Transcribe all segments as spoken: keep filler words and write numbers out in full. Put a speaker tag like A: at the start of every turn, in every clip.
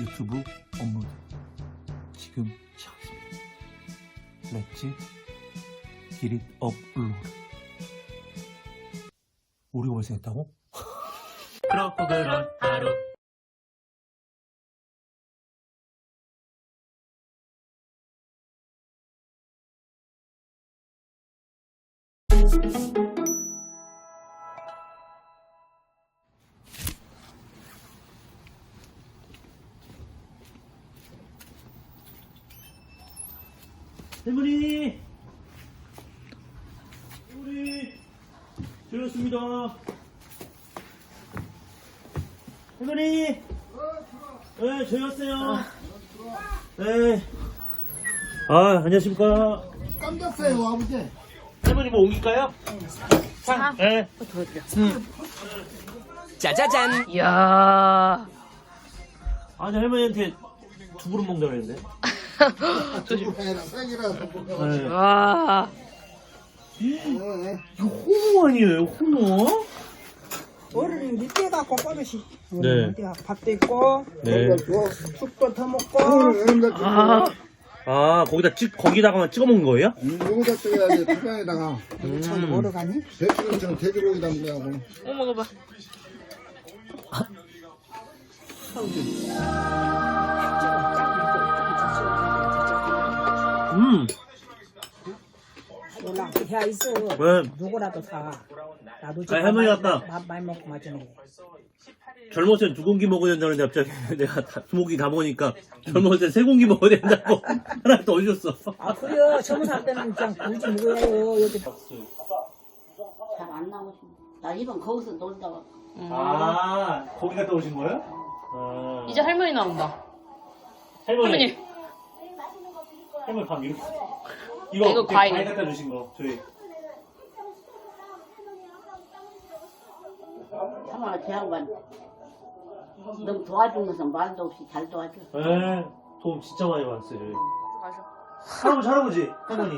A: 유튜브 업로드 지금 시작했습니다. 렛츠 기릿 업로드. 우리가 벌써 했다고? 그렇고 그런 하루. 할머니! 할머니! 저였습니다. 할머니! 네, 저였어요. 네. 아, 안녕하십니까.
B: 깜짝어요 아버지.
A: 할머니 뭐 옮길까요? 상? 네.
C: 짜자잔.
D: 이야.
A: 아니, 할머니한테 두 그릇 먹는다고 그랬는데.
B: 두부회랑 생이라서 먹어.
A: 네.
D: 와.
A: 이거 호모 아니에요, 호모?
E: 어른이 늦게 갖고 버릇이.
A: 네.
E: 어디가 밥도 있고,
A: 네.
E: 죽도 더 먹고.
A: 아, 아 거기다 찍, 거기다가만 찍어 먹는 거예요?
B: 여기다 찍어야지 투명에다가
E: 참 뭐로 가니?
B: 배추처럼 돼지고기다 먹냐고.
D: 어, 먹어봐.
A: 음.
E: 몰라, 해 있어.
A: 왜?
E: 누구라도 사. 나도
A: 아니, 할머니 아까
E: 밥 많이 먹고 맞잖아.
A: 젊었을 땐 두 공기 먹어야 된다는데 갑자기 내가 다, 두 공기 다 먹으니까 젊었을 땐 세 공기 먹어야 된다고 하나 더 주셨어.
E: 아, 그래요. 젊은 살 때는 그냥 굳이 먹어요. 여기.
F: 잘 안 나오시네. 나 이번 거기서 놀다가
A: 아, 거기 갔다 오신 거예요? 아.
D: 이제 할머니 나온다.
A: 할머니.
D: 할머니.
A: 할머니 밥 이거. 이거,
D: 이거
A: 그때
D: 과일.
A: 과일 갖다 주신 거, 저희.
F: 참아 제 양반 너무 도와주면서 말도 없이 잘 도와줘.
A: 에 도움 진짜 많이 받았어요, 저희.
D: 맞아.
A: 할아버지, 할아버지, 할머니.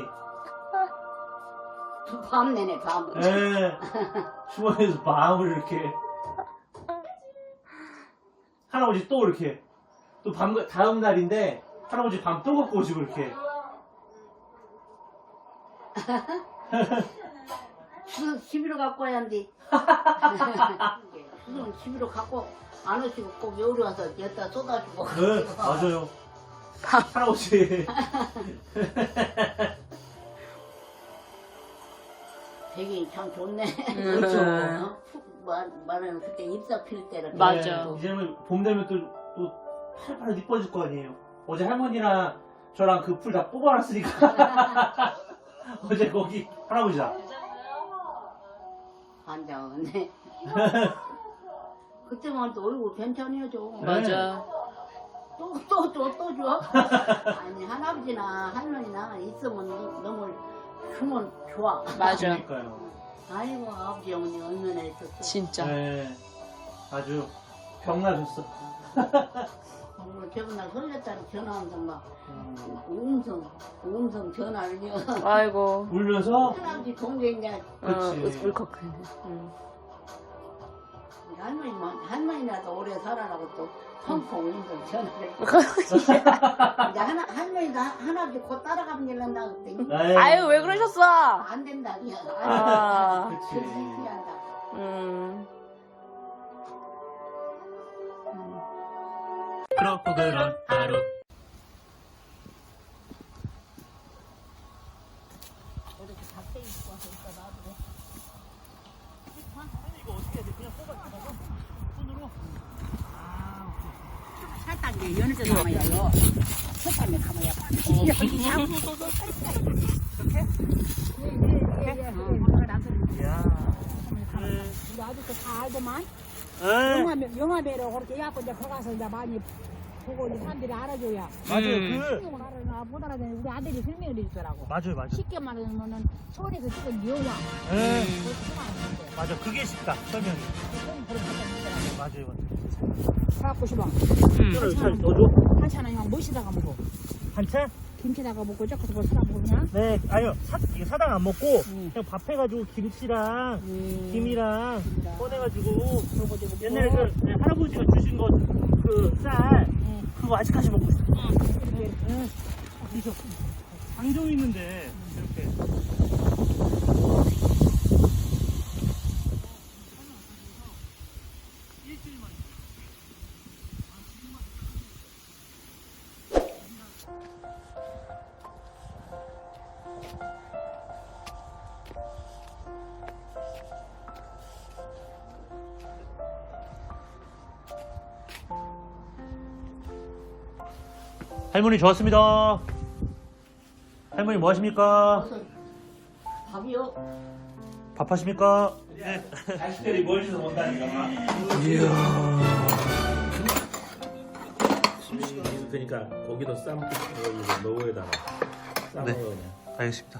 F: 밤 내내 밤.
A: 에 주머니에서 마음을 이렇게. 할아버지 또 이렇게. 또 밤, 다음 날인데, 할아버지 밤 또 갖고 오시고, 이렇게.
F: 추석 십일호 갖고 와야 한디. 추석 십일호 갖고 안 오시고 꼭 여기 와서 여기다 쏟아주고.
A: 네, 맞아요. 할아버지.
F: 되게 참 좋네.
A: 그렇죠.
F: 어? 말, 말하는 그때 잎사 필 때는.
D: 맞아.
A: 네, 이제는 봄 되면 또, 또 팔팔 이뻐질 거 아니에요. 어제 할머니랑 저랑 그 풀 다 뽑아놨으니까. 어제 거기 할아버지다.
F: 환장하네. 그때만 또 얼굴 괜찮아져.
D: 맞아.
F: 또, 또, 또, 또 줘? 아니, 할아버지나 할머니나 있으면 너무 주면 좋아.
D: 맞아.
A: 그러니까요.
F: 아이고, 아버지, 어머니 얼마나 있었어.
D: 진짜.
A: 네. 아주 병나셨어.
F: 오늘 저번날 설렜다니 전화하면서 막,
A: 음.
F: 음성, 음성 전화를 요
D: 아이고.
A: 울면서?
F: 할아버지 동생이냐,
D: 어,
A: 그치.
D: 울컥해. 응.
F: 할머니만, 할머니라도 오래 살아라고 또 펑펑 음성 전화를. 이제 하나, 할머니도 하- 할아버지 곧 따라가면 일난다 그랬더니,
A: 네.
D: 아유, 왜 그러셨어?
F: 안 된다.
D: 아.
A: 그치.
F: 한다.
D: 음.
A: 그렇고 그런 하루.
E: 살짝 이제 연해서 담아야요. 세참에 담아야 우리 아직도 다 알더만.
A: 네.
E: 영화, 영화배로 그렇게 해갖고 이제 거기 가서 이제 많이 보고 이제 사람들이 알아줘야.
A: 맞아요.
D: 음.
A: 그,
E: 설명을 알아나 못 알아듣는 우리 아들이 설명을 해주더라고.
A: 맞아요, 맞아요.
E: 쉽게 말하면은 서울에서 찍은 영화.
A: 네.
E: 그거 설명하는데.
A: 맞아. 그게 쉽다, 설명이.
E: 그건 그렇게 하더라고.
A: 맞아요, 맞아요.
E: 사갖고 싶어.
A: 음. 잘 넣어줘?
E: 한찬은 그냥 무시다가 먹어.
A: 한채?
E: 김치다가 먹고 저것도 뭐 사다 먹고 그냥.
A: 네, 아니요. 사, 이게 사당 안 먹고,
E: 응.
A: 그냥 밥 해가지고 김치랑,
E: 음.
A: 김이랑
E: 김이랑.
A: 꺼내가지고,
E: 그러고 저거
A: 옛날에 그 네, 할아버지가 주신 거, 그 쌀,
E: 응.
A: 그거 아직까지 먹고 있어. 응. 그래서 장종이 있는데 이렇게. 할머니 좋았습니다. 할머니 뭐 하십니까?
F: 밥이요?
A: 밥 하십니까? 네. 자식들이 멀리서 본다니까. 이야.
C: 그러니까 고기도 삶고 넣어에다가
A: 네.
C: 삶아요.
A: 알겠습니다.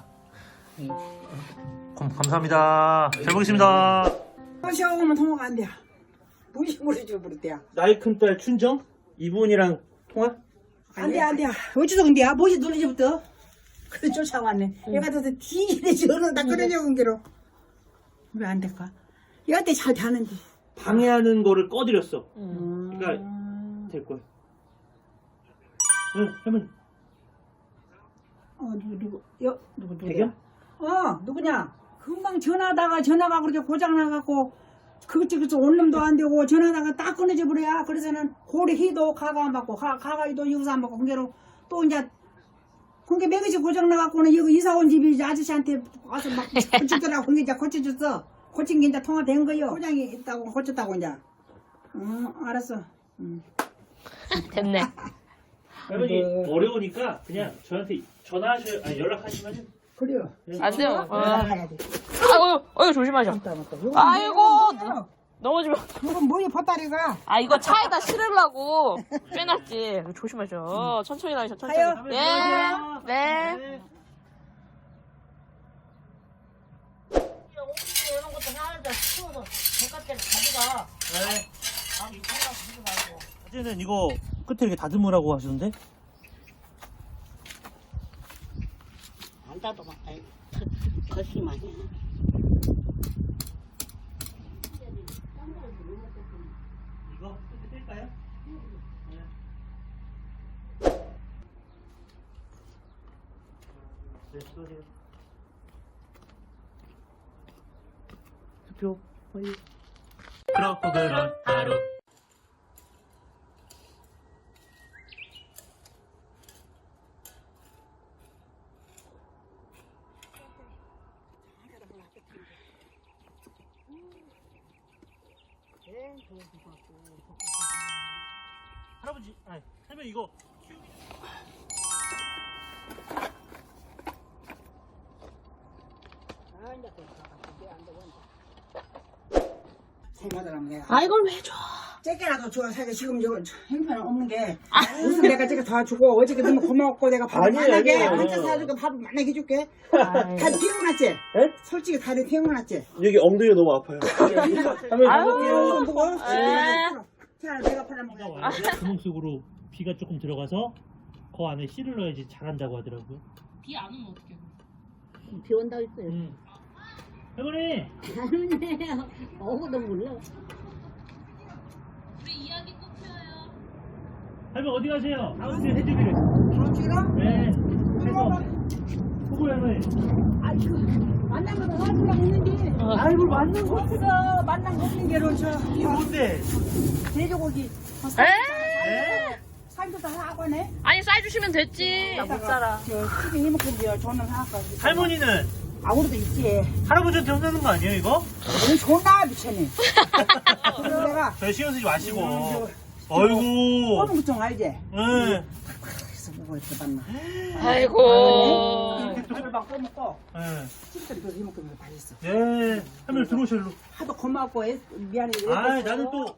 A: 감, 감사합니다. 잘 먹겠습니다.
E: 시험하면 통화가 안 돼. 무심으로 줘버렸대요.
A: 나이 큰 딸 춘정? 이분이랑 통화?
E: 안 돼, 안 돼. 어쩌서 근데야? 뭐지 놀리지부터? 그래 쫓아왔네. 얘가 더서 뒤지네 저는 다 끊어져온 게로. 왜 안 될까? 얘한테 잘 되는데.
A: 방해하는 거를 꺼드렸어.
E: 음.
A: 그러니까 될 거야. 응, 할머니.
E: 어 누구 누구 여 누구 누구?
A: 대겸?
E: 어 누구냐? 금방 전화하다가 전화가 그렇게 고장 나갖고 그것저것 온 놈도 안 되고 전화하다가 딱 끊어져 버려야. 그래서는 고리 희도 가가 안 받고 가 가가도 여기서 안 받고 그게로 또 이제 그게 매그지 고장 나갖고는 여기 이사 온 집이 이제 아저씨한테 와서 막 고치더라고. 그게 이제 고쳐줬어. 고친 게 이제 통화된 거요. 고장이 있다고 고쳤다고 이제. 응 알았어. 응.
D: 됐네.
A: 할머니
E: 네.
A: 어려우니까 그냥 저한테 전화하셔, 아니 연락하시면
E: 그래요.
D: 안 돼요. 어.
E: 가야 돼.
D: 아이고, 아이고 조심하셔.
E: 맞다 맞다. 요거
D: 아이고.
E: 뭐야?
D: 넘어지면.
E: 이건 뭐야 보따리가.
D: 아 이거 차에다 실으려고 빼놨지. 조심하셔. 천천히 다니셔. 천천히.
E: 가요.
D: 네. 네.
F: 이런 것도 하나도 치워서 바깥에 가져가.
A: 네.
F: 아, 이거 하지 말고.
A: 어제는 이거 끝에 이렇게 다듬으라고 하시던데?
F: 안 닫아봐. 아이, 거시기만 해.
A: 이거 끝에 뗄까요? 네. 네, 수고하세요. 투표 완료. 그렇고 그런 하루. 할아버지, 아니, 할머니 이거
E: 생각하면 내가.
D: 아 이걸 왜 줘?
E: 째게라도 좋아. 사실 지금 이거 형편 없는 게 무슨 내가 째게 다 주고 어저께 너무 고마웠고 내가 밥을
A: 아니에요,
E: 만나게
A: 아니에요.
E: 한잔 사주고 밥을 만나게 해줄게.
D: 아이.
E: 다리 피곤하지?
A: 에?
E: 솔직히 다리 피곤하지?
A: 여기 엉덩이가 너무 아파요. 할머니
D: 아유.
A: 가볼게요.
E: 무거워?
D: 에.
E: 자, 내가 팔아먹어.
A: 구멍 속으로 비가 조금 들어가서 그 안에 씨를 넣어야지 잘한다고 하더라고요.
D: 비 안 오면 어떡해?
F: 비 온다고 했어요.
A: 음. 할머니,
F: 아니네. 어구도 몰라.
D: 우리 이야기 꼭 해요.
A: 할머니 어디 가세요? 아버지 해주기를.
E: 지금?
A: 네. 해서 보고 할머니.
E: 아이고, 만난 거도 사주려고 했는데. 아이고, 만난 거 없어. 만난 거 없는 게로 저.
A: 이게 뭔데?
E: 돼지고기.
D: 에?
E: 살도 다 하고네.
D: 아니 쌀 주시면 됐지. 나 못 살아.
E: 저 집에 해먹던데요. 저는 하나까.
A: 할머니는
E: 아, 우리도 있지.
A: 할아버지한테 혼나는 거 아니에요 이거?
E: 너무 좋나, 미쳤네. 그래서 내가.
A: 저희 신경 쓰지 마시고.
E: 음,
A: 아이고.
E: 꼬는 것좀 알지?
A: 네.
E: 그래서 뭐가 이렇게 봤나.
D: 아이고.
E: 이걸 막 꼬먹고.
A: 네.
E: 집들이 그 해먹던 거다 했어.
A: 네. 할머니 들어오셔 일로.
E: 하도 고맙고 애- 미안해.
A: 아, 나는 또.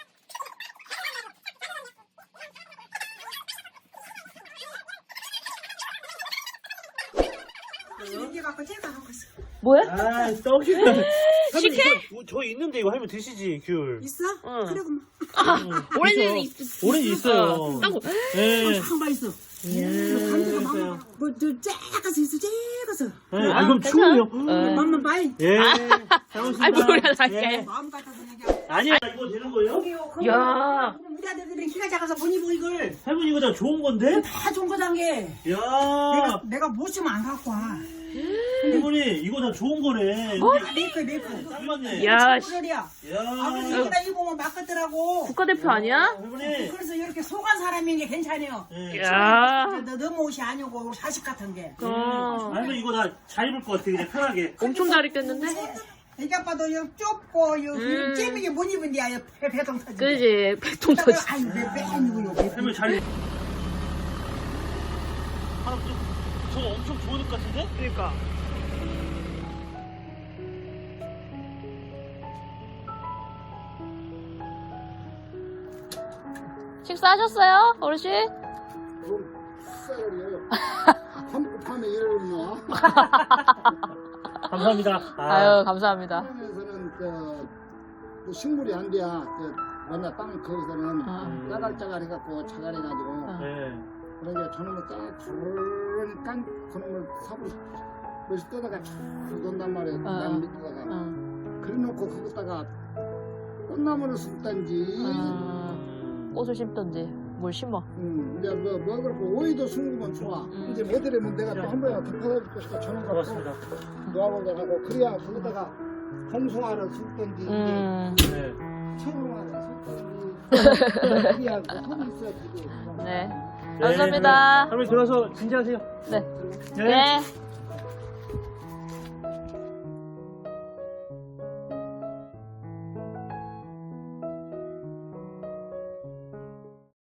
E: 이게 갖고 제가 하고 있어.
D: 뭐야?
A: 아, 떡이네.
D: 식혜?
A: 저, 저 있는데 이거 할머니 드시지 귤.
E: 있어?
D: 응.
E: 그래 그만.
D: 오렌지는
A: 그쵸?
D: 있.
A: 오렌지 있어요.
D: 어, 땅콩.
A: 네.
E: 한바 있어.
A: 예.
E: 감기가
A: 있어요.
E: 맘마. 뭐저 째가서 있어 째가서.
A: 네. 아, 그럼 추워요.
D: 어.
E: 맘만 봐이.
A: 예.
D: 아,
A: 잘 오신다.
D: 아이, 뭐야, 나
A: 예.
D: 이게.
E: 마음 같아서 얘기하고.
A: 아니야 이거 되는 거예요?
E: 여기요. 그
D: 야.
E: 우리 아들들이 키가 작아서 못 입어 이걸.
A: 할머니 이거 다 좋은 건데?
E: 다 좋은 거단 게.
A: 야
E: 내가 내가 못 쓰면 안 갖고 와.
A: 할머니 이거 다 좋은 거네.
E: 메이크 메이크.
A: 딱 맞네.
D: 야, 씨.
E: 소리야. 아 그래서
A: 야
E: 이거다 입으면 막겠더라고.
D: 국가대표 아니야?
A: 할머니.
E: 그래서 이렇게 속한 사람인 게 괜찮아요.
A: 예.
D: 야.
E: 너 너무 옷이 아니고 사식 같은 게.
D: 어.
A: 할머니 이거 다 잘 입을 것 같아 그냥 편하게.
D: 엄청 잘 입겠는데?
E: 이게 봐도 요 좁고 요
D: 음.
E: 잼이게 못 입은데 요 배- 배동 터지.
D: 그지? 백통 터지.
E: 아이 왜왜 아니고 요.
A: 할머니 잘 입. 할아버지 저거 엄청 좋은 옷 같은데?
D: 그러니까. 식사하셨어요, 어르신?
B: 그럼 쌀이에요. 한국하면 이러나?
A: 감사합니다.
D: 아유, 감사합니다.
B: 하면서는 저, 그 식물이 안 돼야 그 뭐냐 땅 거기서는
D: 아.
B: 짜갈짜갈 해갖고 자갈해가지고
D: 아.
A: 네.
B: 그러니까 저놈을 딱 그런 깐 그놈을 삽을 몇시 떠다가 쭉 놓는단 말이에요.
D: 아.
B: 남 밑에다가
D: 응.
B: 그래놓고 거기다가 꽃나무를 심던지
D: 아, 꽃을 심던지 뭘 심어.
B: 음, 이제 뭐, 뭐 그렇고 오이도 심으면 좋아.
D: 음.
B: 이제 뭐 드리면 내가 또 한 번에 더 퍼다 줄까 저놈 갖고
A: 고맙습니다.
B: 놓아보자 하고 그래야 거기다가 홍송화를 심던지
D: 음.
A: 네.
B: 청송화를 심던지 그래야 그 손이 있어야지.
D: 네.
A: 네,
D: 감사합니다.
A: 할머니 들어서 진지하세요.
D: 네.
A: 네.
D: 네.